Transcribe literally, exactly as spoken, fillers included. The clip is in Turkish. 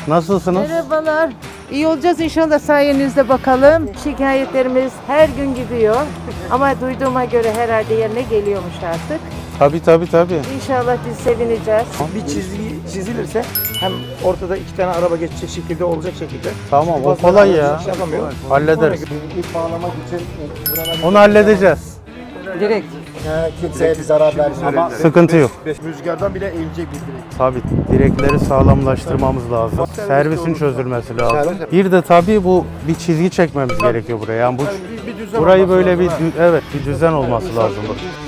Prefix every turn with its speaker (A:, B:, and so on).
A: Nasılsınız?
B: Merhabalar. İyi olacağız inşallah sayenizde bakalım. Şikayetlerimiz her gün gidiyor. Ama duyduğuma göre herhalde yerine geliyormuş artık.
A: Tabii tabii tabii.
B: İnşallah biz sevineceğiz.
C: Bir çizgi çizilirse hem ortada iki tane araba geçecek şekilde olacak şekilde.
A: Tamam, o
C: Bazı
A: kolay
C: arabalar
A: ya.
C: şey yapamıyor.
A: Hallederiz.
D: İp bağlamak için
A: Onu halledeceğiz.
C: Direkt.
D: kimseye bir zarar vermiyor. Ama
A: Sıkıntı yok.
D: rüzgardan bile eğilecek bir direk.
A: Tabii direkleri sağlamlaştırmamız lazım. Servisin çözülmesi lazım. Bir de tabii bu bir çizgi çekmemiz gerekiyor buraya. Yani bu burayı böyle bir dü- evet bir düzen olması lazım.